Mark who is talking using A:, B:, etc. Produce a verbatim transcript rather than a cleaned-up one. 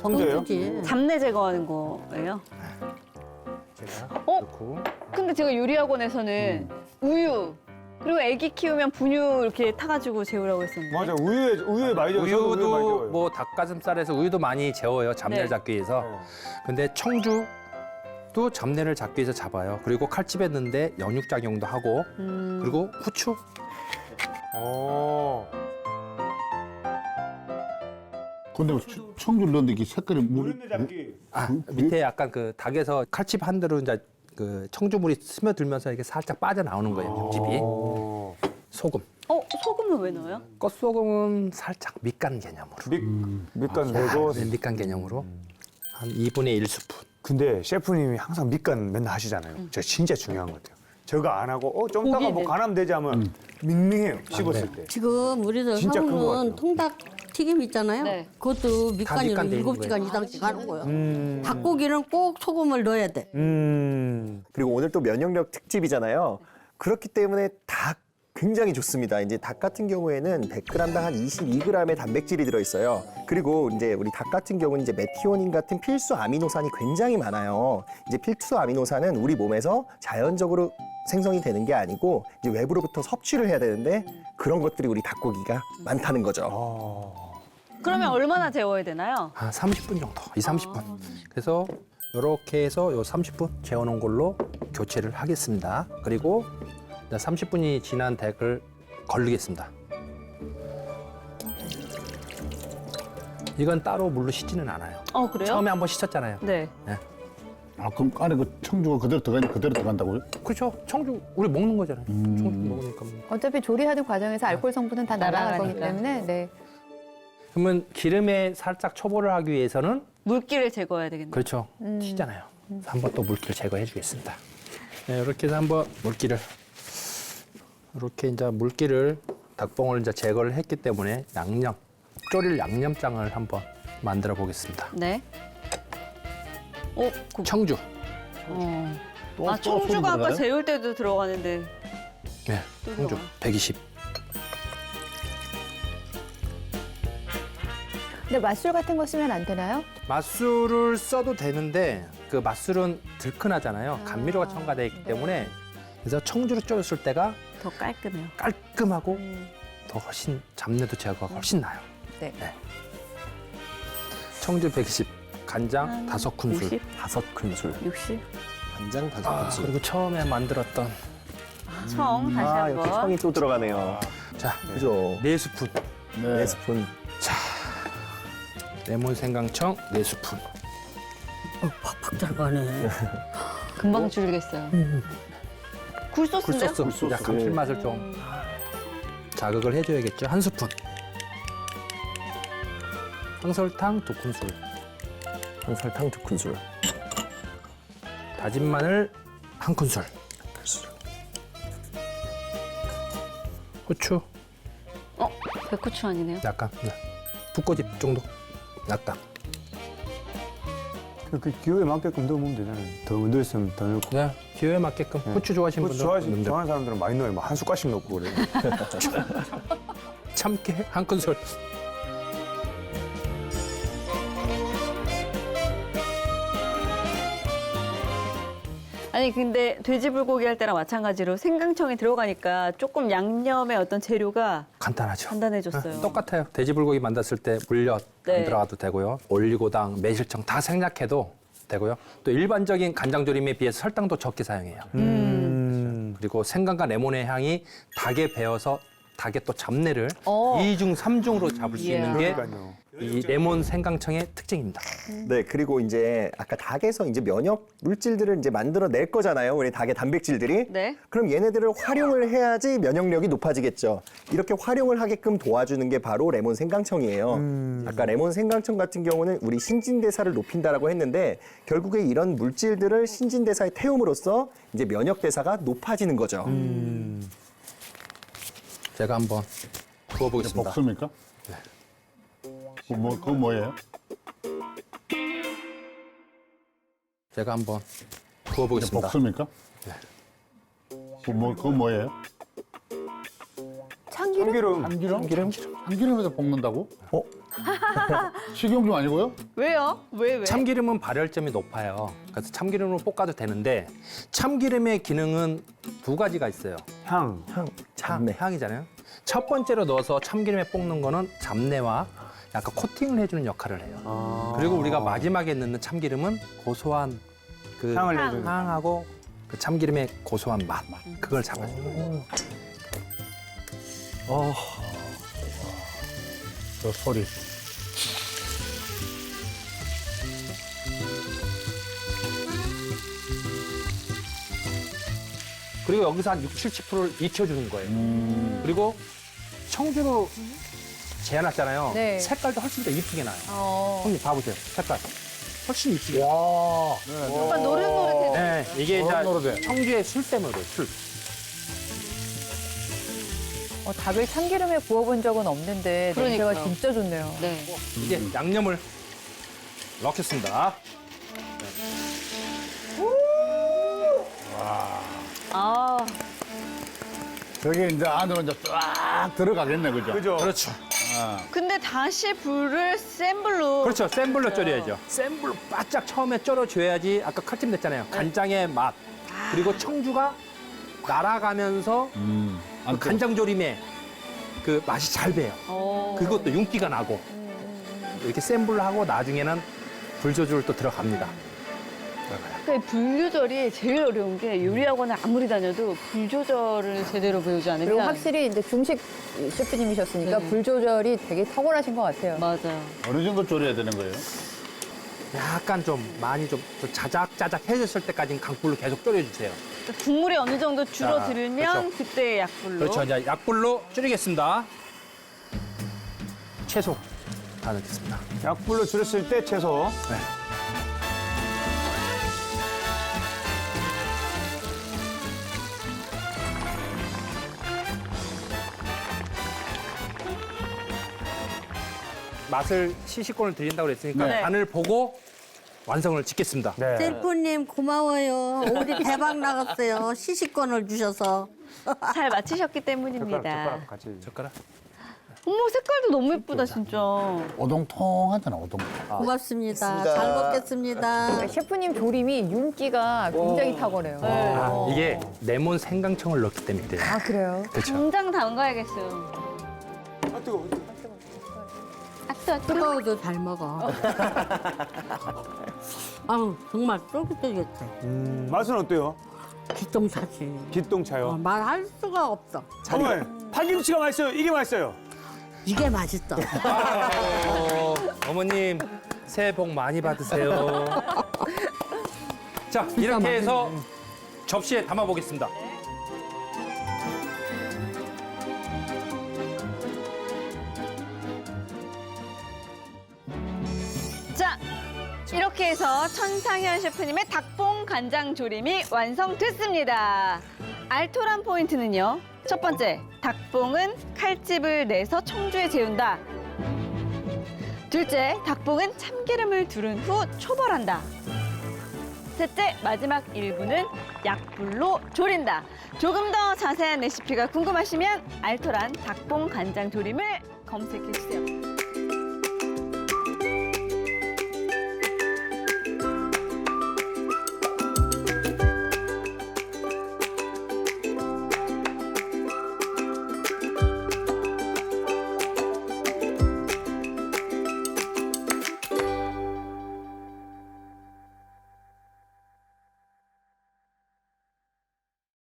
A: 청주예요?
B: 청주지.
C: 잡내 제거하는 거예요?
D: 제가
C: 어?
D: 넣고
C: 근데 제가 요리학원에서는 우유 그리고 애기 키우면 분유 이렇게 타가지고 재우라고 했었는데.
A: 맞아, 우유에, 우유에 많이 넣어요. 저도 우유에 많이
D: 우유도
A: 넣어요.
D: 뭐 닭가슴살에서 우유도 많이 재워요. 잡내를
C: 네.
D: 잡기 위해서.
A: 네.
D: 근데 청주도 잡내를 잡기 위해서 잡아요. 그리고 칼집에 넣는데 연육작용도 하고
C: 음.
D: 그리고 후추.
A: 어.
B: 근데 청주를 넣는데 이게 색깔이 물이
A: 노른내 잡기.
D: 아,
B: 그- 그-
D: 밑에 약간 그 닭에서 칼집 한 대로 이제 그 청주물이 스며들면서 이게 살짝 빠져나오는 거예요. 육즙이.
A: 어.
D: 소금.
C: 어? 소금은 왜 넣어요?
D: 껍소금은 살짝 밑간 개념으로.
A: 밑, 밑간 내고.
D: 네, 밑간 개념으로 한 이분의 일 스푼.
A: 근데 셰프님이 항상 밑간 맨날 하시잖아요. 저 진짜 중요한 것 같아요. 저거 안 하고 어 좀 이따가 뭐
C: 고기는.
A: 간하면 되지 하면 밍밍해요. 씹었을 때.
B: 지금 우리들
A: 진짜 큰것 같아요.
B: 하고는 통닭 튀김 있잖아요.
C: 네.
B: 그것도 밑간으로
D: 밑간 돼
B: 일곱
D: 있는
B: 시간 이상씩 하는 거예요.
A: 음.
B: 닭고기는 꼭 소금을 넣어야 돼.
A: 음.
E: 그리고 오늘 또 면역력 특집이잖아요. 그렇기 때문에 닭 굉장히 좋습니다. 이제 닭 같은 경우에는 백 그램당 한 이십이 그램의 단백질이 들어있어요. 그리고 이제 우리 닭 같은 경우는 이제 메티오닌 같은 필수 아미노산이 굉장히 많아요. 이제 필수 아미노산은 우리 몸에서 자연적으로 생성이 되는 게 아니고 이제 외부로부터 섭취를 해야 되는데 그런 것들이 우리 닭고기가 많다는 거죠.
C: 그러면 얼마나 재워야 되나요?
D: 한 삼십 분 정도, 이, 삼십 분. 그래서 이렇게 해서 요 삼십 분 재워놓은 걸로 교체를 하겠습니다. 그리고 이제 삼십 분이 지난 닭을 걸리겠습니다. 이건 따로 물로 씻지는 않아요.
C: 어 그래요?
D: 처음에 한번 씻었잖아요.
C: 네.
B: 아 그럼 안에 그 청주가 그대로 들어가 그대로 들어간다고요?
D: 그렇죠. 청주 우리 먹는 거잖아요. 청주 먹으니까. 뭐.
F: 어차피 조리하는 과정에서 알코올 성분은 다 날아갈 거기
C: 날아가니까.
F: 때문에 네.
D: 그러면 기름에 살짝 초벌을 하기 위해서는
C: 물기를 제거해야 되겠네요.
D: 그렇죠. 튀잖아요. 그래서 한번 또 물기를 제거해 주겠습니다. 네, 이렇게 해서 한번 물기를 이렇게 이제 물기를 닭봉을 이제 제거를 했기 때문에 양념 졸일 양념장을 한번 만들어 보겠습니다.
C: 네. 어, 그,
D: 청주.
C: 어.
B: 또-
C: 아
B: 또 소금
C: 청주가 아까
B: 들어가요?
C: 재울 때도 들어가는데.
D: 네,
C: 또
D: 청주
C: 들어가요.
D: 백이십.
F: 근데 맛술 같은 거 쓰면 안 되나요?
D: 맛술을 써도 되는데 그 맛술은 들큰하잖아요. 감미료가 첨가되어 있기 때문에 그래서 청주를 졸였을 때가
C: 더 깔끔해요.
D: 깔끔하고 더 훨씬 잡내도 제거가 훨씬 나요.
F: 네.
D: 청주 백십, 간장
C: 한
D: 다섯 큰술.
C: 오십,
E: 다섯 큰술,
C: 육십.
E: 간장 다섯
D: 아,
E: 큰술.
D: 그리고 처음에 만들었던
C: 청 다시
E: 아,
C: 한번.
E: 역시 청이 또 들어가네요.
D: 자,
E: 그죠?
D: 네 스푼.
E: 네 스푼.
D: 레몬 생강청 네 스푼.
B: 어, 팍팍 들어가네.
C: 금방 줄겠어요. 굴소스인데요?
D: 굴소스.
E: 굴소스.
D: 야, 감칠맛을 좀 자극을 해줘야겠죠. 한 스푼. 황설탕 두 큰술.
E: 설탕 두 큰술.
D: 다진 마늘 한 큰술. 후추
C: 어, 백후추 아니네요.
D: 약간. 네. 붓고집 정도. 약간.
A: 그 기호에 맞게끔 넣으면 되잖아요. 더 넣었으면 더 넣고.
D: 네. 기호에 맞게끔. 후추 좋아하시는
A: 그거
D: 분들
A: 좋아하시,
D: 넣으면 돼요.
A: 좋아하는 사람들은 많이 넣어요. 뭐 한 숟갈씩 넣고 그래요.
D: 참깨 한 큰술.
C: 아니 근데 돼지 불고기 할 때랑 마찬가지로 생강청이 들어가니까 조금 양념의 어떤 재료가
D: 간단하죠.
C: 간단해졌어요.
D: 네, 똑같아요. 돼지불고기 만들었을 때 물엿
C: 네.
D: 안 들어가도 되고요. 올리고당, 매실청 다 생략해도 되고요. 또 일반적인 간장조림에 비해서 설탕도 적게 사용해요.
A: 음.
D: 그리고 생강과 레몬의 향이 닭에 배어서 닭의 또 잡내를
C: 어.
D: 이중, 삼중으로 잡을 수 있는 게
A: 그러니까요.
D: 이 레몬 생강청의 특징입니다.
E: 네, 그리고 이제 아까 닭에서 이제 면역 물질들을 이제 만들어낼 거잖아요. 우리 닭의 단백질들이.
C: 네.
E: 그럼 얘네들을 활용을 해야지 면역력이 높아지겠죠. 이렇게 활용을 하게끔 도와주는 게 바로 레몬 생강청이에요. 아까 레몬 생강청 같은 경우는 우리 신진대사를 높인다라고 했는데 결국에 이런 물질들을 신진대사에 태움으로써 이제 면역대사가 높아지는 거죠.
D: 제가 한번 구워보겠습니다.
B: 복습니까? 그 뭐, 그거 뭐예요?
D: 제가 한번 구워보겠습니다.
B: 복습니까? 그 뭐, 그거 뭐예요?
F: 참기름?
A: 참기름.
B: 참기름?
E: 참기름?
B: 참기름에다 볶는다고?
E: 어?
B: 식용유 아니고요?
C: 왜요? 왜 왜?
D: 참기름은 발열점이 높아요. 그래서 참기름으로 볶아도 되는데 참기름의 기능은 두 가지가 있어요.
A: 향.
E: 향, 잡내.
D: 향이잖아요. 첫 번째로 넣어서 참기름에 볶는 거는 잡내와 약간 코팅을 해주는 역할을 해요.
A: 아.
D: 그리고 우리가 마지막에 넣는 참기름은 고소한 그
A: 향을
C: 향.
A: 내주는.
D: 향하고 그 참기름의 고소한 맛 그걸 잡아줘요.
B: 어. 저 소리.
D: 그리고 여기서 한 육십, 칠십 퍼센트를 익혀주는 거예요. 그리고 청주로 재현했잖아요.
F: 네.
D: 색깔도 훨씬 더 이쁘게 나요.
F: 어.
D: 형님 봐보세요. 색깔. 훨씬 이쁘게.
B: 와.
C: 약간 노릇노릇해.
D: 네, 이게
B: 노릇노릇해.
D: 이제 청주의 술 때문에 그래요, 술.
F: 어, 닭을 참기름에 구워본 적은 없는데 냄새가
C: 그러니까요.
F: 진짜 좋네요.
C: 네.
D: 이제 양념을 넣겠습니다.
C: 아,
B: 저게 이제 안으로 이제 쫙 들어가겠네, 그죠?
A: 그죠?
D: 그렇죠.
B: 아.
C: 근데 다시 불을 센 불로.
D: 그렇죠. 센 불로 졸여야죠. 센 불로 바짝 처음에 졸여줘야지 아까 칼집 냈잖아요. 간장의 맛. 그리고 청주가 날아가면서
B: 음.
D: 그 간장조림에 그 맛이 잘 배요.
C: 어.
D: 그것도 윤기가 나고. 이렇게 센 불로 하고 나중에는 불 조절 또 들어갑니다.
C: 그 불 조절이 제일 어려운 게 요리학원을 아무리 다녀도 불 조절을 제대로 배우지 않으면.
F: 그리고 확실히 이제 중식 셰프님이셨으니까
C: 네.
F: 불 조절이 되게 탁월하신 것 같아요.
C: 맞아요.
B: 어느 정도 졸여야 되는 거예요?
D: 약간 좀 많이 좀, 좀 자작자작해졌을 때까지는 강불로 계속 졸여주세요.
C: 국물이 어느 정도 줄어들면
D: 자, 그렇죠.
C: 그때 약불로.
D: 그렇죠. 이제 약불로 줄이겠습니다. 채소 다 넣겠습니다.
A: 약불로 줄였을 때 채소.
D: 네. 맛을 시식권을 드린다고 그랬으니까
C: 네.
D: 간을 보고 완성을 짓겠습니다.
A: 네.
G: 셀프님 고마워요. 우리 대박 나갔어요. 시식권을 주셔서.
C: 잘 맞히셨기
A: 젓가락,
C: 때문입니다.
A: 젓가락 같이.
D: 젓가락.
C: 어머, 색깔도 너무 예쁘다, 진짜.
B: 오동통하잖아, 오동통.
G: 고맙습니다.
E: 있습니다.
G: 잘 먹겠습니다.
F: 그러니까 셰프님 조림이 윤기가 굉장히 탁월해요.
D: 아, 이게 레몬 생강청을 넣기 때문에 그래요.
F: 아, 그래요?
D: 그렇죠.
C: 당장 담가야겠어요.
A: 아, 뜨거워.
C: 아, 뜨거, 뜨거.
G: 뜨거워도 잘 먹어. 아우 정말 쫄깃쫄깃해.
A: 음, 맛은 어때요?
G: 기똥차지.
A: 기똥차요.
G: 어, 말할 수가 없어.
A: 정말 파김치가 맛있어요. 이게 맛있어요.
G: 이게 맛있어.
D: 어, 어머님 새해 복 많이 받으세요. 자, 이렇게 해서 접시에 담아 보겠습니다.
C: 자, 이렇게 해서 천상현 셰프님의 닭봉 간장 조림이 완성됐습니다. 알토란 포인트는요. 첫 번째, 닭봉은 칼집을 내서 청주에 재운다. 둘째, 닭봉은 참기름을 두른 후 초벌한다. 셋째, 마지막 일부는 약불로 졸인다. 조금 더 자세한 레시피가 궁금하시면 알토란 닭봉 간장 조림을 검색해주세요.